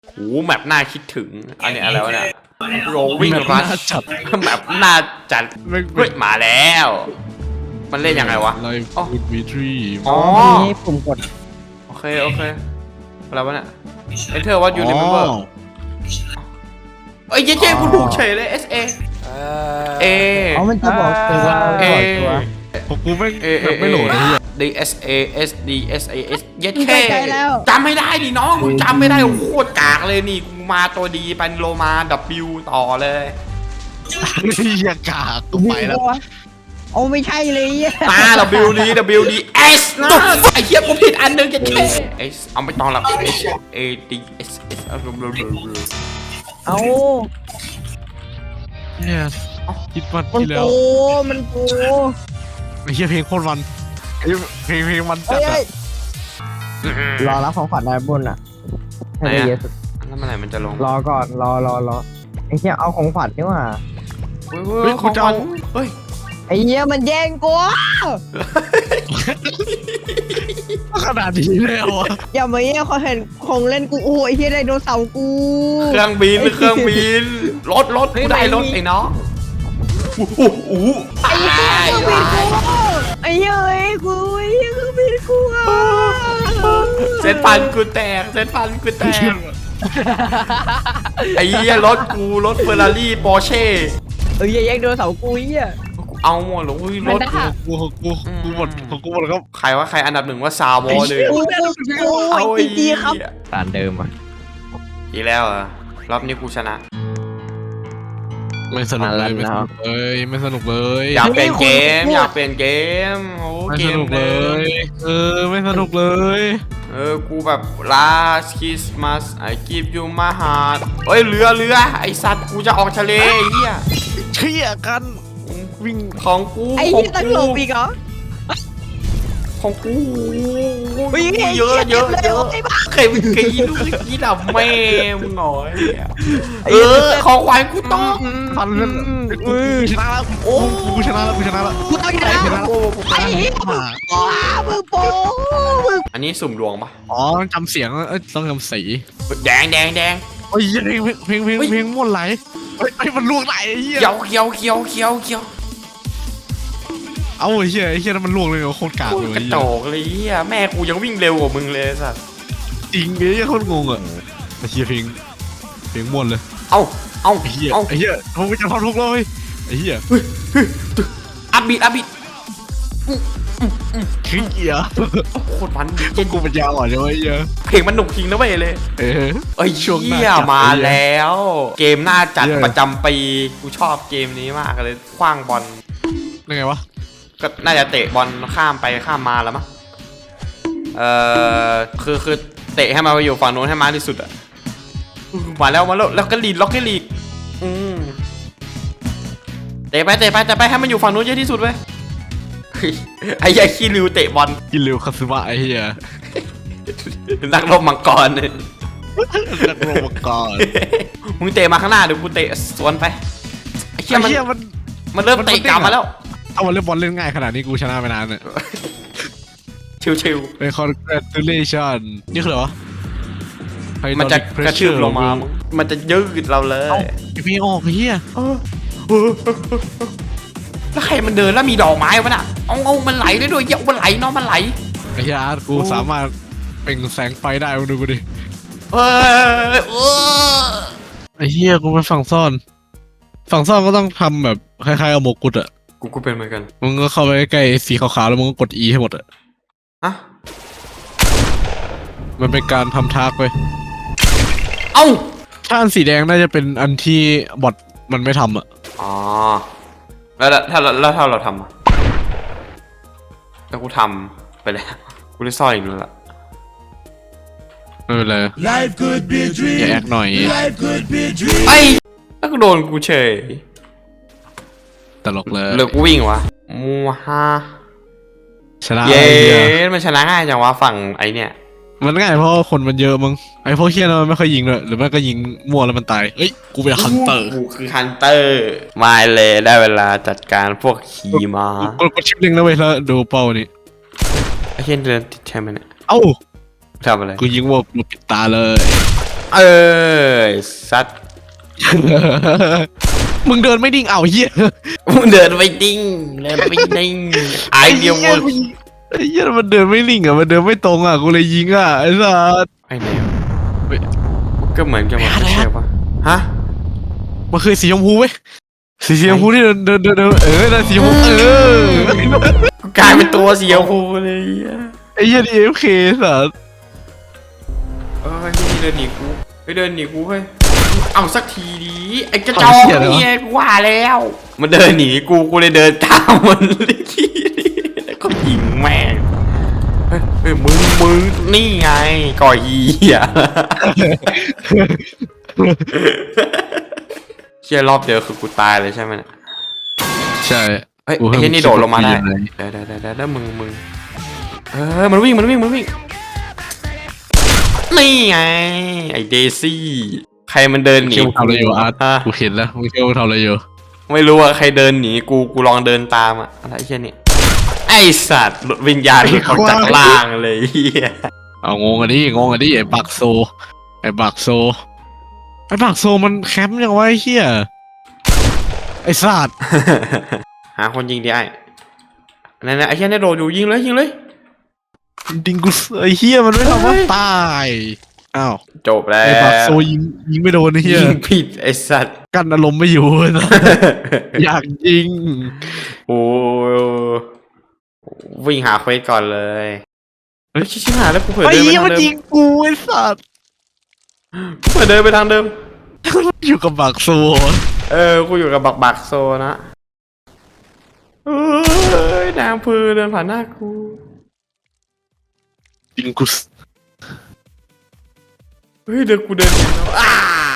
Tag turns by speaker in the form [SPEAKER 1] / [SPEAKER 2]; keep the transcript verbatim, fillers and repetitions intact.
[SPEAKER 1] โอ้แบบน่าคิดถึงอันนี้อะไรวะเนี่ยโรวิ่งรัชจัดแบบน่าจัดเฮ้ยมาแล้ว มันเล่นยังไงวะ
[SPEAKER 2] ไลฟ์ฟูดวีทรี
[SPEAKER 1] อ๋อ
[SPEAKER 3] นี่ปุ่มกด
[SPEAKER 1] โอเคโอเคอะไรวะเนี่ย Enter what you remember เอ้ยเจ๊เจ๊กูถูกเฉยเลย S A เอ
[SPEAKER 3] อ๋อมันจะบอกตัว
[SPEAKER 1] เอ
[SPEAKER 3] บอกตัว
[SPEAKER 2] ผมกูไม่
[SPEAKER 1] เอเอ
[SPEAKER 2] ไม่โหลดไอ้เหี้ย
[SPEAKER 1] D S A S D S A S เย็ด
[SPEAKER 3] มึง
[SPEAKER 1] แค่
[SPEAKER 3] ไปไกลแล้ว
[SPEAKER 1] จำไม่ได้ดิน้องมึงจำไม่ได้โคตรกากเลยนี่กูมาตัวดีเป็นโลมา W ต่อเลย
[SPEAKER 2] เหี้ยกากกูไปแล้ว
[SPEAKER 3] โอ้ไม่ใช่เลยอ่ะ
[SPEAKER 1] ตา W D W D S นะไอ้เหี้ยกูผิดอันหนึงจะแค่ S เอาไม่ต้องหรอก S A D S S เอา
[SPEAKER 3] เอา
[SPEAKER 2] เนี่ยคิดวัน
[SPEAKER 3] มัน
[SPEAKER 2] ที่แล้
[SPEAKER 3] โก
[SPEAKER 2] ว
[SPEAKER 3] มันโก
[SPEAKER 2] ไอ้เหี้ยเพลงโคตรมันไอ้เพลงเพลงมันจั
[SPEAKER 3] เอ้
[SPEAKER 2] ด
[SPEAKER 3] ย
[SPEAKER 2] อะ
[SPEAKER 3] รอรับของขวัญได้บนอ่ะให้ได้เยอะสุด
[SPEAKER 1] แล้วเมื่อไหร่มันจะลง
[SPEAKER 3] รอก่อนรอรอรอไอ้เหี้ยเอาของขวัญนี่ว่า
[SPEAKER 1] เฮ้ยเฮ้ยของมันเฮ้ย
[SPEAKER 3] ไอ้เหี้ยมันแย่งกู
[SPEAKER 2] ขนาดนี้แล้วอะ
[SPEAKER 3] อย่ามาเหี้ยเขาเห็นของเล่นกูโอ้ยไอ้เหี้ยไดโนเสาร์กู
[SPEAKER 1] เครื่องบินเครื่องบินรถรถกูได้รถไอ้น้องอู้หูอู้
[SPEAKER 3] ไอ้เหี้ยเครื่องบินกูไอ้เหี้ยเอ้ยกูไอ้เหี้ยเครื่องบินกูอ่ะ
[SPEAKER 1] เส้นพันกูแตกเส้นพันกูแตกไอ้เหี้ยรถกูรถเฟอร์รารี่ปอร์เช่
[SPEAKER 3] เอ้ยอย่าแย่งไดโนเสาร์กูไอ้เหี้ย
[SPEAKER 1] เอาหมดเลยอุ้ยรถ
[SPEAKER 2] กูกูกูหมดกูหมดแล้วก็
[SPEAKER 1] ใครว่าใครอันดับหนึ่งว่าซาวอเลย
[SPEAKER 3] กูกูกู
[SPEAKER 1] เอา
[SPEAKER 3] ไอ้จีครับ
[SPEAKER 1] ไอ้
[SPEAKER 3] ตานเดิมอ่ะ
[SPEAKER 1] อีกแล้วเหรอรอบนี้กูชนะ
[SPEAKER 2] ไม่สนุกเลยไม่สนุกเลยไม่สนุกเลย
[SPEAKER 1] อยากเปลี่ยนเกมอยากเปลี่ยนเกมโอ้
[SPEAKER 2] ไม่
[SPEAKER 1] เก
[SPEAKER 2] ส
[SPEAKER 1] ม
[SPEAKER 2] นุกเล
[SPEAKER 1] เดิม
[SPEAKER 2] ยเออไม่สนุกเลย
[SPEAKER 1] เออกูแบบ last Christmas I give you my heart เฮ้ยเรือเรือไอสัตว์กูจะออกทะเลไอ้เหี้ย
[SPEAKER 2] เชี่ยกัน
[SPEAKER 1] วิ่งของกู
[SPEAKER 3] ไอ้
[SPEAKER 1] ของ
[SPEAKER 3] เหี้ยตั้งหลบอีกเหรอ
[SPEAKER 1] ของกู
[SPEAKER 3] เฮ้ย
[SPEAKER 1] เยอะเยอะเยอะ
[SPEAKER 3] ไอ้บ้า
[SPEAKER 1] ใครเป็นกีลูกกีดับแม่มึงหน่อยเออของขวัญกูต้อง
[SPEAKER 2] ทันเลยกูชนะแล้วโอ้กูชนะแล้วกูชนะแล้ว
[SPEAKER 3] กูต้องชนะ
[SPEAKER 2] ชนะแล้ว
[SPEAKER 3] ไอ้เหี้ยว้ามึงโป้มึง
[SPEAKER 1] อันนี้สุ่มดวงปะ
[SPEAKER 2] อ๋อจำเสียงเอ้ยต้องจำสี
[SPEAKER 1] แดงแดงแดง
[SPEAKER 2] โอ้ยเพลงเพลงเพลงเพลงม่วนไหลเฮ้ยไอ้มันลวกไหลไอ้เหี้ย
[SPEAKER 1] เขียวเขียวเขียวเขียวเขียว
[SPEAKER 2] เอาไอ้เหี้ยไอ้เหี้ยนั่นมันลวกเลยโคตรกาก
[SPEAKER 1] กู
[SPEAKER 2] เลย
[SPEAKER 1] กระโจกเลยเฮียแม่กูยังวิ่งเร็วกว่ามึงเลยสัส
[SPEAKER 2] จริงไอ้เหี้ยโคตรงงอ่ะไอ้เหี้ยเพลงเพลงม่วนเลย
[SPEAKER 1] เอ้าเอ้า
[SPEAKER 2] ไอ้เหี้ย
[SPEAKER 1] เอ้า
[SPEAKER 2] ไอ้เหี้ยผมจะทำทุกเลยไอ้เหี้ย
[SPEAKER 1] อัพบิดอัพบิด
[SPEAKER 2] ขี้เกียจ
[SPEAKER 1] โคตรมัน
[SPEAKER 2] พวกกูเป็นยาวอ่อนใช่ไหมไอ้เหี้ย
[SPEAKER 1] เพลงมันหนุกจริงนะเว้ยเลย
[SPEAKER 2] เออ
[SPEAKER 1] เอ้ย
[SPEAKER 2] ช่วงหน้า
[SPEAKER 1] เฮีย
[SPEAKER 2] จัด
[SPEAKER 1] มา
[SPEAKER 2] เลย
[SPEAKER 1] แล้ว เกมหน้าจัด
[SPEAKER 2] เหี้ย
[SPEAKER 1] ประจำปีกูชอบเกมนี้มากเลยคว้างบอล
[SPEAKER 2] ยังไงวะ
[SPEAKER 1] ก็น่าจะเตะบอลข้ามไปข้ามมาแล้วมั้งเอ่อคือคือเตะให้มันไปอยู่ฝั่งโน้นให้มากที่สุดอะมาแล้วมาแล้วแล้วก็ลีดล็อกให้ลีดอืมเตะไปเตะไปเตะไปให้มันอยู่ฝั่งโน้นเยอะที่สุดเว้ยเฮ้ยไอ้ยัยขี้ริวเตะบอล
[SPEAKER 2] กินเร็วคาซึมะไอ้เหี้ย
[SPEAKER 1] นักรบมังกรเนี่ย
[SPEAKER 2] นักโรบกอน
[SPEAKER 1] มึงเตะมาข้างหน้าเดี๋ยวกูเตะสวนไปไอ้เหี้
[SPEAKER 2] ไอ้
[SPEAKER 1] ยมัน
[SPEAKER 2] เหี้ยมัน
[SPEAKER 1] มันเริ่ม
[SPEAKER 2] มัน
[SPEAKER 1] เตะ
[SPEAKER 2] มันเด้ง
[SPEAKER 1] กลับ
[SPEAKER 2] อะ
[SPEAKER 1] มาแล้ว
[SPEAKER 2] เอามาเล่นบอลเล่นง่ายขนาดนี้กูชนะไปนานเนี่ย
[SPEAKER 1] ชิว
[SPEAKER 2] เป็น congratulation นี่คืออะไรวะ
[SPEAKER 1] ๆมันจะกระชืบลงมามึงมันจะยืดเราเลย
[SPEAKER 2] ไอ้พี่ออกไอ้เหี้ย
[SPEAKER 1] แล้วใครมันเดินแล้วมีดอกไม้วะน่ะเอาเอามันไหลได้ด้วยเหี้ยมันไหลเนาะมันไหล
[SPEAKER 2] ไอ้เหี้ยอาร์ตกูสามารถเปล่งแสงไฟได้มึงดูกูดิ
[SPEAKER 1] เฮ้ยเออ
[SPEAKER 2] ไอ้เหี้ยกูเป็นฝั่งซ่อน ฝั่งซ่อนก็ต้องทำแบบคล้ายๆเอาหมวกกุดอะ
[SPEAKER 1] กูกูเป็นเหมือนกัน
[SPEAKER 2] มึงก็เข้าไปใกล้ๆสีขาวๆแล้วมึงก็กด E ให้หมดอะ
[SPEAKER 1] อะ
[SPEAKER 2] มันเป็นการทำทากไป
[SPEAKER 1] เอ้า
[SPEAKER 2] ถ้าอันสีแดงน่าจะเป็นอันที่บอทมันไม่ทำอะ
[SPEAKER 1] อ๋อแล้วถ้าแล้วถ้าเราทำอะแล้วกูทำไปแล้วกูได้ซ่อนอีกแล้วล่ะ
[SPEAKER 2] ไม่เป็นไร
[SPEAKER 4] Life could be a
[SPEAKER 2] อย่า
[SPEAKER 4] dream.
[SPEAKER 2] แอคหน่อย
[SPEAKER 4] Life could be a dream.
[SPEAKER 1] ไอ้แล้วก็โดนกูเฉย
[SPEAKER 2] ตลกเลย
[SPEAKER 1] เหลือกูวิ่งวะมูฮา
[SPEAKER 2] ชนะ
[SPEAKER 1] เย้
[SPEAKER 2] ไอ้เหี้ย
[SPEAKER 1] มันชนะง่ายจังวะฝั่งไอเนี่ย
[SPEAKER 2] มันง่ายเพราะว่าคนมันเยอะมึงไอ้พวกเฮี้ยนั้นมันไม่ค่อยยิงเลยหรือไม่ก็ยิงมั่วแล้วมันตายเอ้ยกูเป็นฮันเตอร์
[SPEAKER 1] กูคือฮันเตอร์มาเลยได้เวลาจัดการพวกขี่ม้าก
[SPEAKER 2] ดกดชิปลิงก์นะเว้ยแล้วดูเป้านี่
[SPEAKER 1] ไอ้เช่นเดินติดใช่ไหมเนี่ย
[SPEAKER 2] เอ้า
[SPEAKER 1] ทำอะไร
[SPEAKER 2] กูยิงวัวกูปิดตาเลย
[SPEAKER 1] เออซัด
[SPEAKER 2] มึงเดินไม่ดิ่งเอาเหี้ย
[SPEAKER 1] มึงเดินไปดิ้งเดินไปดิ้งไอเดียวหมด
[SPEAKER 2] ไอ้เหี้ยมันเดินไม่ลิ่งอ่ะมันเดินไม่ตรงอ่ะกูเลยยิงอ่ะไอ้สัส
[SPEAKER 1] ไอ้แนวก็เหมือนกันหมด
[SPEAKER 2] อะไร
[SPEAKER 1] ใช่
[SPEAKER 2] อะ
[SPEAKER 1] ปะฮะ
[SPEAKER 2] มันคือสีชมพูเว้ยสีชมพูที่เดินเดินเดินเดินเออนั่นสีชมพูเออ
[SPEAKER 1] กูกลายเป็นตัวสีชมพูเลยอะ
[SPEAKER 2] ไอ้เหี้ยดีเอฟเคสัส
[SPEAKER 1] เออนี่เดินหนีกูไปเดินหนีกูเฮ้ยเอาสักทีดีไอ้กระจอกเนี่ยกูว่าแล้ว มันเดินหนีกูกูเลยเดินตามมันเลยแล้วก็ยิงแม่งเฮ้ยเฮ้ยมึงมึงนี่ไงก่อยเหี้ยเชี่ยรอบเดียวคือกูตายเลยใช่ไหมเนี่ย
[SPEAKER 2] ใช่
[SPEAKER 1] เฮ้ย
[SPEAKER 2] กู
[SPEAKER 1] ไอ้
[SPEAKER 2] เพิ่ง
[SPEAKER 1] เหี้ยนี่โดดลงมาได้
[SPEAKER 2] คิดว่า
[SPEAKER 1] เดี๋ยวเดี๋ยวเดี๋ยวเดี๋ยวมึงมึงเออมันวิ่งมันวิ่งมันวิ่งนี่ไงไอ้เดซี่ใครมันเดินหนี
[SPEAKER 2] เชื่อมึงทำอะไรอยู่อาร์ต
[SPEAKER 1] ฮะ
[SPEAKER 2] กูเห็นแล้วมึงเชื่อมึงทำอะไรอยู่
[SPEAKER 1] ไม่รู้ว่าใครเดินหนีกูกูลองเดินตามอะอะไรเช่นนี้ไอสัตว์หลุดวิญญาณหลุดออกจากล่างเลยเฮีย
[SPEAKER 2] เอางงอันนี้งงอันนี้ไอ้บักโซไอ้บักโซไอ้บักโซมันแคมป์ยังไงเฮียไอ้สัตว์
[SPEAKER 1] หาคนยิงดิไอ้นั่นนะไอ้เฮียนี่โดดอยู่ยิงเลยยิงเลย
[SPEAKER 2] ดิงกุสไอ้เฮียมันไม่ทำว่าตายอ้าว
[SPEAKER 1] จบแล้ว
[SPEAKER 2] ไอ้บักโซยิงยิงไม่โดนไอ้เฮีย
[SPEAKER 1] ยิงผิดไอสัตว์
[SPEAKER 2] กันอารมณ์ไม่อยู่นะอยากยิง
[SPEAKER 1] โอ้วิ่งหาเควสก่อนเลยเฮ้ยชิบหายแล้วกูเผลอ
[SPEAKER 2] ไอ้
[SPEAKER 1] เดินไป
[SPEAKER 2] เฮีย
[SPEAKER 1] ทาง
[SPEAKER 2] มัน
[SPEAKER 1] เดิ
[SPEAKER 2] ยิ
[SPEAKER 1] ม
[SPEAKER 2] งกูไอ้สัตว์
[SPEAKER 1] กูเผลอเดินไปทางเดิม
[SPEAKER 2] อยู่กับบักโซ
[SPEAKER 1] เออกูอยู่กับบักบักโซนะเอ้ยนางพือเดินผ่านหน้ากู
[SPEAKER 2] ดิงกุส
[SPEAKER 1] เฮ้ยเดินกูเดินหนีแล้วอ้า